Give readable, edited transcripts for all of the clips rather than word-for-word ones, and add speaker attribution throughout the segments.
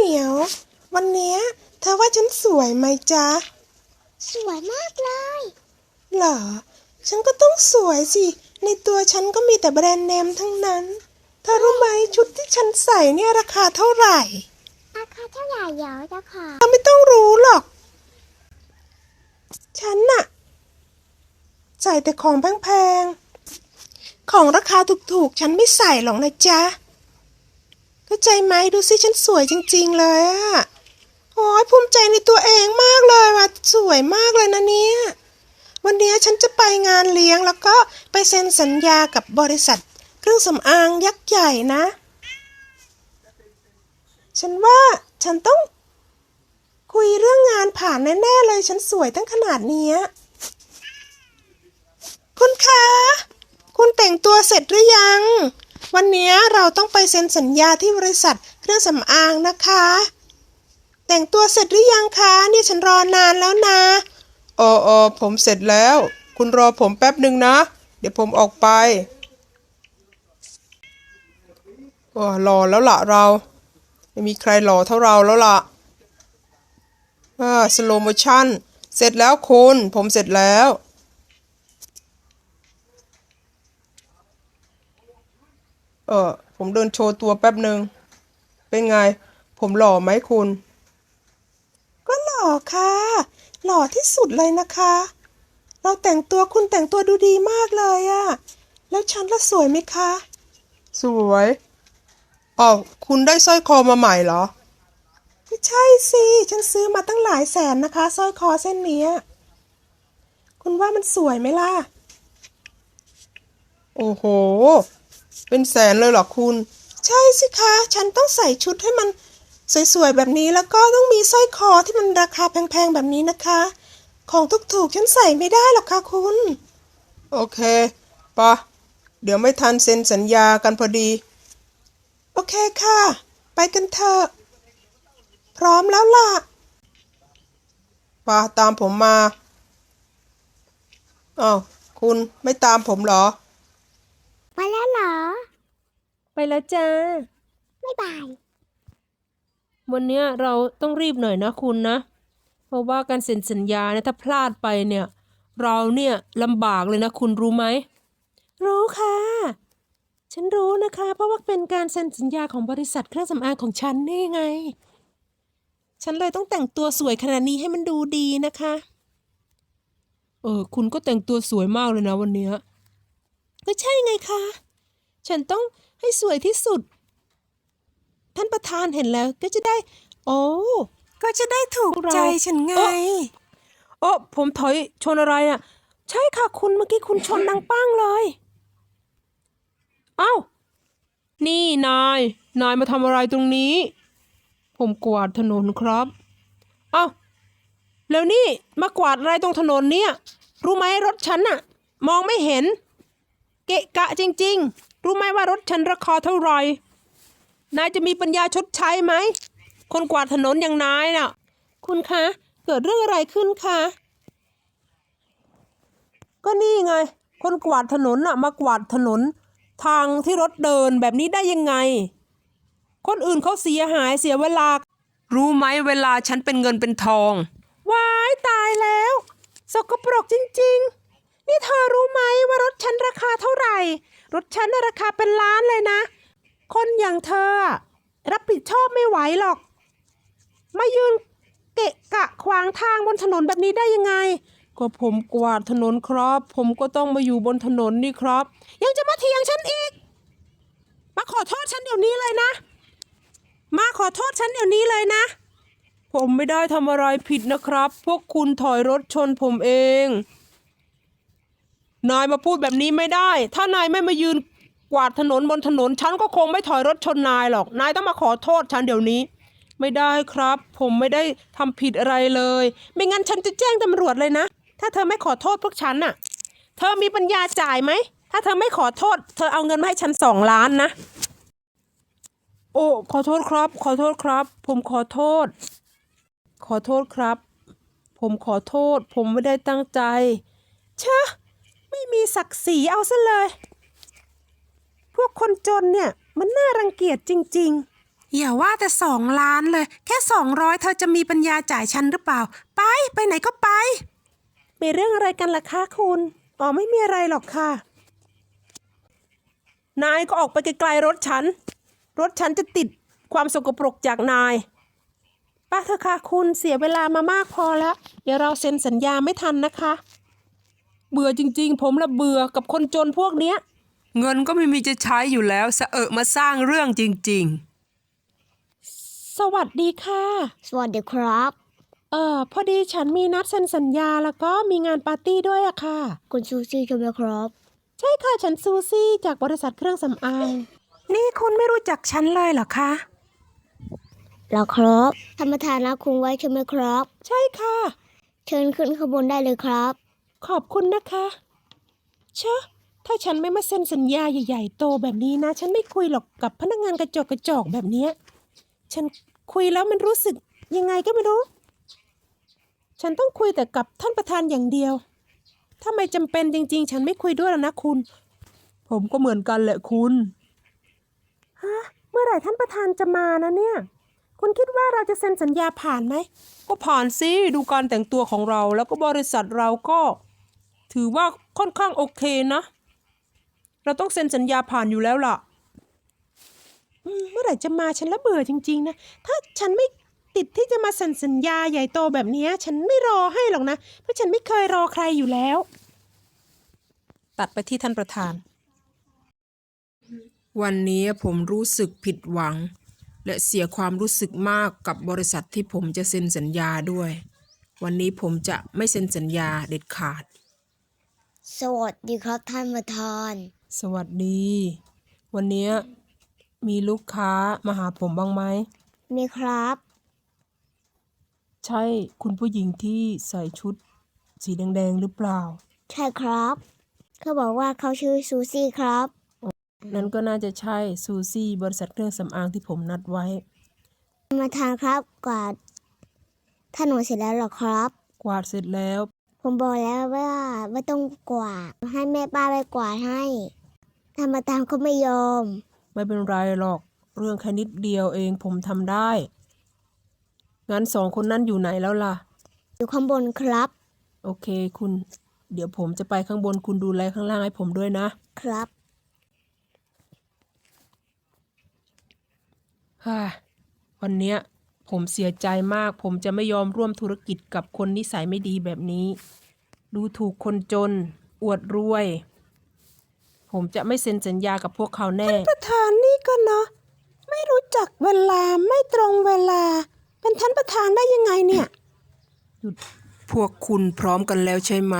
Speaker 1: มียววันเนี้ยเธอว่าฉันสวยไหมจ๊ะ
Speaker 2: สวยมากเลย
Speaker 1: เหรอฉันก็ต้องสวยสิในตัวฉันก็มีแต่แบรนด์เนมทั้งนั้นเธอรู้ไหมชุดที่ฉันใส่เนี่ยราคาเท่าไหร่
Speaker 2: ราคาเท่าไหร่เหรอเจ้าค่ะ
Speaker 1: เธอไม่ต้องรู้หรอกฉันน่ะใส่แต่ของแพงๆของราคาถูกๆฉันไม่ใส่หรอกนะจ๊ะเข้าใจไหมดูสิฉันสวยจริงๆเลยอะโอ้ยภูมิใจในตัวเองมากเลยว่ะสวยมากเลยนะเนี่ยวันนี้ฉันจะไปงานเลี้ยงแล้วก็ไปเซ็นสัญญากับบริษัทเครื่องสำอางยักษ์ใหญ่นะฉันว่าฉันต้องคุยเรื่องงานผ่านแน่ๆเลยฉันสวยตั้งขนาดนี้คุณคะคุณแต่งตัวเสร็จหรือยังวันนี้เราต้องไปเซ็นสัญญาที่บริษัทเครื่องสำอางนะคะแต่งตัวเสร็จหรือยังคะนี่ฉันรอนานแล้วนะ
Speaker 3: ผมเสร็จแล้วคุณรอผมแป๊บหนึ่งนะเดี๋ยวผมออกไปรอแล้วล่ะเราไม่มีใครหล่อเท่าเราแล้วล่ะสโลโมชั่นเสร็จแล้วคุณผมเสร็จแล้วผมเดินโชว์ตัวแป๊บหนึ่งเป็นไงผมหล่อไหมคุณ
Speaker 1: ก็หล่อค่ะหล่อที่สุดเลยนะคะเราแต่งตัวคุณแต่งตัวดูดีมากเลยอะแล้วฉันละสวยไหมคะ
Speaker 3: สวยคุณได้สร้อยคอมาใหม่เหรอ
Speaker 1: ไม่ใช่สิฉันซื้อมาตั้งหลายแสนนะคะสร้อยคอเส้นนี้คุณว่ามันสวยไหมล่ะ
Speaker 3: โอ้โหเป็นแสนเลยเหรอคุณ
Speaker 1: ใช่สิคะฉันต้องใส่ชุดให้มันสวยๆแบบนี้แล้วก็ต้องมีสร้อยคอที่มันราคาแพงๆแบบนี้นะคะของถูกๆฉันใส่ไม่ได้หรอกค่ะคุณ
Speaker 3: โอเคปะเดี๋ยวไม่ทันเซ็นสัญญากันพอดี
Speaker 1: โอเคค่ะไปกันเถอะพร้อมแล้วล่ะ
Speaker 3: ปะตามผมมาคุณไม่ตามผมเหรอ
Speaker 2: ไปแล้วเหรอ
Speaker 4: ไปแล้วจ้า
Speaker 2: บ๊ายบาย
Speaker 4: วันเนี้ยเราต้องรีบหน่อยนะคุณนะเพราะว่าการเซ็นสัญญาเนี่ยถ้าพลาดไปเนี่ยเราเนี่ยลำบากเลยนะคุณรู้ไหมรู้ค่ะฉันรู้นะคะเพราะว่าเป็นการเซ็นสัญญาของบริษัทเครื่องสำอางของฉันนี่ไงฉันเลยต้องแต่งตัวสวยขนาดนี้ให้มันดูดีนะคะคุณก็แต่งตัวสวยมากเลยนะวันเนี้ยก็ใช่ไงคะฉันต้องให้สวยที่สุดท่านประธานเห็นแล้วก็จะได้
Speaker 1: ก็จะได้ถูกใจฉันไง
Speaker 4: ผมถอยชนอะไรอ่ะใช่ค่ะคุณเมื่อกี้คุณชนดังปั้งเลยเอ้านี่นายมาทำอะไรตรงนี้ผมกวาดถนนครับเอ้าแล้วนี่มากวาดอะไรตรงถนนเนี่ยรู้ไหมรถฉันน่ะมองไม่เห็นเกะกะจริงๆรู้ไหมว่ารถฉันราคาเท่าไหร่นายจะมีปัญญาชดใช้ไหมคนกวาดถนนอย่างนายน่ะคุณคะเกิดเรื่องอะไรขึ้นคะก็นี่ไงคนกวาดถนนน่ะมากวาดถนนทางที่รถเดินแบบนี้ได้ยังไงคนอื่นเขาเสียหายเสียเวลารู้ไหมเวลาฉันเป็นเงินเป็นทองว้ายตายแล้วสกปรกจริงๆนี่เธอรู้ไหมว่ารถฉันราคาเท่าไหร่รถฉันราคาเป็นล้านเลยนะคนอย่างเธอรับผิดชอบไม่ไหวหรอกมายืนเกะกะขวางทางบนถนนแบบนี้ได้ยังไงก็ผมกวาดถนนครับผมก็ต้องมาอยู่บนถนนนี่ครับยังจะมาเถียงฉันอีกมาขอโทษฉันเดี๋ยวนี้เลยนะมาขอโทษฉันเดี๋ยวนี้เลยนะผมไม่ได้ทำอะไรผิดนะครับพวกคุณถอยรถชนผมเองนายมาพูดแบบนี้ไม่ได้ถ้านายไม่มายืนกวาดถนนบนถนนฉันก็คงไม่ถอยรถชนนายหรอกนายต้องมาขอโทษฉันเดี๋ยวนี้ไม่ได้ครับผมไม่ได้ทำผิดอะไรเลยไม่งั้นฉันจะแจ้งตำรวจเลยนะถ้าเธอไม่ขอโทษพวกฉันน่ะเธอมีปัญญาจ่ายไหมถ้าเธอไม่ขอโทษเธอเอาเงินมาให้ฉัน2 ล้านนะขอโทษครับขอโทษครับผมขอโทษครับผมขอโทษผมไม่ได้ตั้งใจเชอะไม่มีศักดิ์ศรีเอาซะเลยพวกคนจนเนี่ยมันน่ารังเกียจจริง
Speaker 1: อย่าว่าแต่2 ล้านเลย แค่200เธอจะมีปัญญาจ่ายฉันหรือเปล่า ไปไหนก็ไป
Speaker 4: มีเรื่องอะไรกันล่ะคะคุณอ๋อไม่มีอะไรหรอกค่ะ นายก็ออกไปไกลๆรถฉัน รถฉันจะติดความสกปรกจากนายป้าเถอะค่ะคุณเสียเวลามามากพอแล้ว เดี๋ยวเราเซ็นสัญญาไม่ทันนะคะ เบื่อจริงๆ ผมละเบื่อกับคนจนพวกเนี้ย
Speaker 1: เงินก็ไม่มีจะใช้อยู่แล้วสะเอะมาสร้างเรื่องจริง
Speaker 4: สวัสดีค่ะ
Speaker 2: สวัสดีครับ
Speaker 4: พอดีฉันมีนัดเซ็นสัญญาแล้วก็มีงานปาร์ตี้ด้วยอะค่ะ
Speaker 2: คุณซูซี่ใช่ไหมครับ
Speaker 4: ใช่ค่ะฉันซูซี่จากบริษัทเครื่องสำอาง
Speaker 1: นี่คุณไม่รู้จักฉันเลยเหรอคะ
Speaker 2: แล้วครับท่านประธานนัดคุณไว้ใช่ไหมครับ
Speaker 4: ใช่ค่ะ
Speaker 2: เชิญขึ้นขบวนได้เลยครับ
Speaker 4: ขอบคุณนะคะเชอะถ้าฉันไม่มาเซ็นสัญญาใหญ่ๆโตแบบนี้นะ ฉันไม่คุยหรอกกับพนักงานกระจอกแบบเนี้ยฉันคุยแล้วมันรู้สึกยังไงก็ไม่รู้ ฉันต้องคุยแต่กับท่านประธานอย่างเดียว ถ้าไม่จำเป็นจริงๆ ฉันไม่คุยด้วยแล้วนะคุณ ผมก็เหมือนกันแหละคุณฮะเมื่อไหร่ท่านประธานจะมานะเนี่ย คุณคิดว่าเราจะเซ็นสัญญาผ่านไหม ก็ผ่านสิดูการแต่งตัวของเราแล้วก็บริษัทเราก็ถือว่าค่อนข้างโอเคนะ เราต้องเซ็นสัญญาผ่านอยู่แล้วล่ะ เมื่อไหร่จะมาฉันละเบื่อจริงๆนะ ถ้าฉันไม่ติดที่จะมาเซ็นสัญญาใหญ่โตแบบนี้ฉันไม่รอให้หรอกนะ เพราะฉันไม่เคยรอใครอยู่แล้ว ตัดไปที่ท่านประธาน
Speaker 1: วันนี้ผมรู้สึกผิดหวัง และเสียความรู้สึกมากกับบริษัทที่ผมจะเซ็นสัญญาด้วย วันนี้ผมจะไม่เซ็นสัญญาเด็ดขาด
Speaker 2: สวัสดีครับท่านประธาน
Speaker 4: สวัสดี วันนี้มีลูกค้ามาหาผมบ้างไหม
Speaker 2: มีครับ
Speaker 4: ใช่คุณผู้หญิงที่ใส่ชุดสีแดงๆหรือเปล่า
Speaker 2: ใช่ครับ เขาบอกว่าเขาชื่อซูซี่ครับ
Speaker 4: นั้นก็น่าจะใช่ซูซี่บริษัทเครื่องสำอางที่ผมนัดไว้
Speaker 2: ท่านประธานครับกวาดถนนเสร็จแล้วเหรอครับ
Speaker 4: กวาดเสร็จแล้ว
Speaker 2: ผมบอกแล้วว่าไม่ต้องกวาดให้แม่ป้าไปกวาดให้ท่านประธานเขาไม่ยอม
Speaker 4: ไม่เป็นไรหรอก เรื่องแค่นิดเดียวเองผมทำได้ งั้น2 คนนั้นอยู่ไหนแล้วล่ะ
Speaker 2: อยู่ข้างบนครับ
Speaker 4: โอเคคุณ เดี๋ยวผมจะไปข้างบนคุณดูแลข้างล่างให้ผมด้วยนะ
Speaker 2: ครับ
Speaker 4: วันเนี้ยผมเสียใจมาก ผมจะไม่ยอมร่วมธุรกิจกับคนนิสัยไม่ดีแบบนี้ ดูถูกคนจน อวดรวย ผมจะไม่เซ็นสัญญากับพวกเขาแน่
Speaker 1: ประธานนี่ก็เนาะไม่รู้จักเวลาไม่ตรงเวลา เป็นท่านประธานได้ยังไงเนี่ย พวกคุณพร้อมกันแล้วใช่ไหม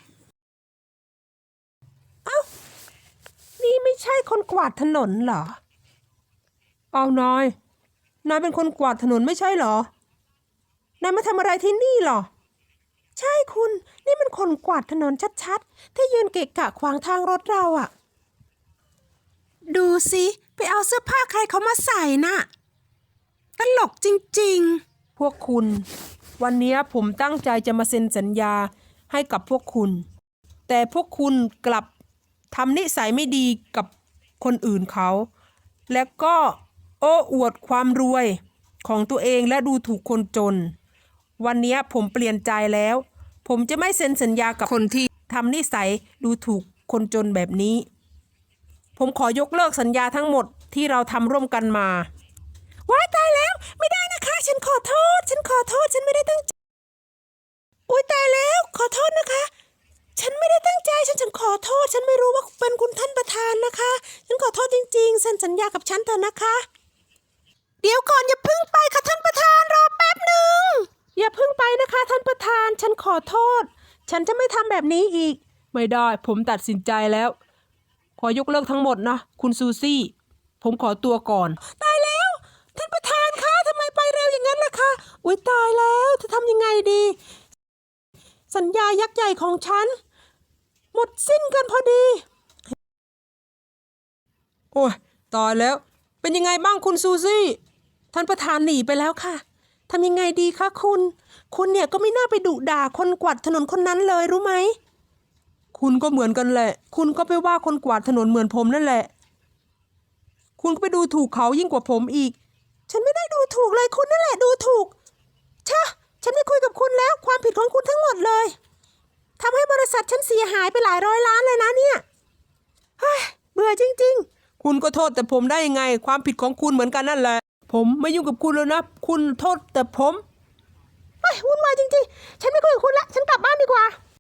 Speaker 4: นี่ไม่ใช่คนกวาดถนนเหรอ เอานายเป็นคนกวาดถนนไม่ใช่เหรอ นายมาทำอะไรที่นี่เหรอ ใช่คุณ นี่มันคนกวาดถนนชัดๆ ที่ยืนเกะกะขวางทางรถเราอะ
Speaker 1: ดูสิไปเอาเสื้อผ้าใครเขามาใส่น่ะตลกจริง
Speaker 4: พวกคุณ วันนี้ผมตั้งใจจะมาเซ็นสัญญาให้กับพวกคุณ แต่พวกคุณกลับทำนิสัยไม่ดีกับคนอื่นเขา แล้วก็โอ้อวดความรวยของตัวเองและดูถูกคนจน วันนี้ผมเปลี่ยนใจแล้ว ผมจะไม่เซ็นสัญญากับคนที่ทำนิสัยดูถูกคนจนแบบนี้ ผมขอยกเลิกสัญญาทั้งหมดที่เราทำร่วมกันมา
Speaker 1: ๆว้ายตายแล้วไม่ได้นะคะ ฉันขอโทษ ฉันไม่ได้ตั้งใจอุ้ยตายแล้วขอโทษนะคะ ฉันไม่ได้ตั้งใจฉันขอโทษ ฉันไม่รู้ว่าเป็นคุณท่านประธานนะคะ ฉันขอโทษจริงๆเซ็นสัญญากับฉันเถอะนะคะ เดี๋ยวก่อนอย่าเพิ่งไปค่ะท่านประธานรอแป๊บหนึ่ง
Speaker 4: อย่าเพิ่งไปนะคะท่านประธาน ฉันขอโทษ ฉันจะไม่ทำแบบนี้อีก ไม่ได้ ผมตัดสินใจแล้ว ขอยกเลิกทั้งหมดนะ คุณซูซี่ ผมขอตัวก่อน
Speaker 1: ตายแล้ว ท่านประธานคะทำไมไปเร็วอย่างนั้นล่ะคะอุ้ยตายแล้วจะทำยังไงดี สัญญายักษ์ใหญ่ของฉัน หมดสิ้นกันพอดี
Speaker 4: โอ้ยตายแล้ว เป็นยังไงบ้างคุณซูซี่
Speaker 1: ท่านประธานหนีไปแล้วค่ะทำยังไงดีคะคุณ คุณเนี่ยก็ไม่น่าไปดุด่าคนกวาดถนนคนนั้นเลยรู้ไหม
Speaker 4: คุณก็เหมือนกันแหละ คุณก็ไปว่าคนกวาดถนนเหมือนผมนั่นแหละ คุณก็ไปดูถูกเขายิ่งกว่าผมอีกถูกเลยคุณนั่นแหละดูถูกชะฉันไม่คุยกับคุณแล้วความผิดของคุณทั้งหมดเลยทำให้บริษัทฉันเสียหายไปหลายร้อยล้านเลยนะเนี่ยเฮ้ยเบื่อจริงๆคุณก็โทษแต่ผมได้ยังไงความผิดของคุณเหมือนกันนั่นแหละผมไม่ยุ่งกับคุณแล้วนะคุณโทษแต่ผมเฮ้ยวุ่นวายจริงๆฉันไม่คุยกับคุณละฉันกลับบ้านดีกว่า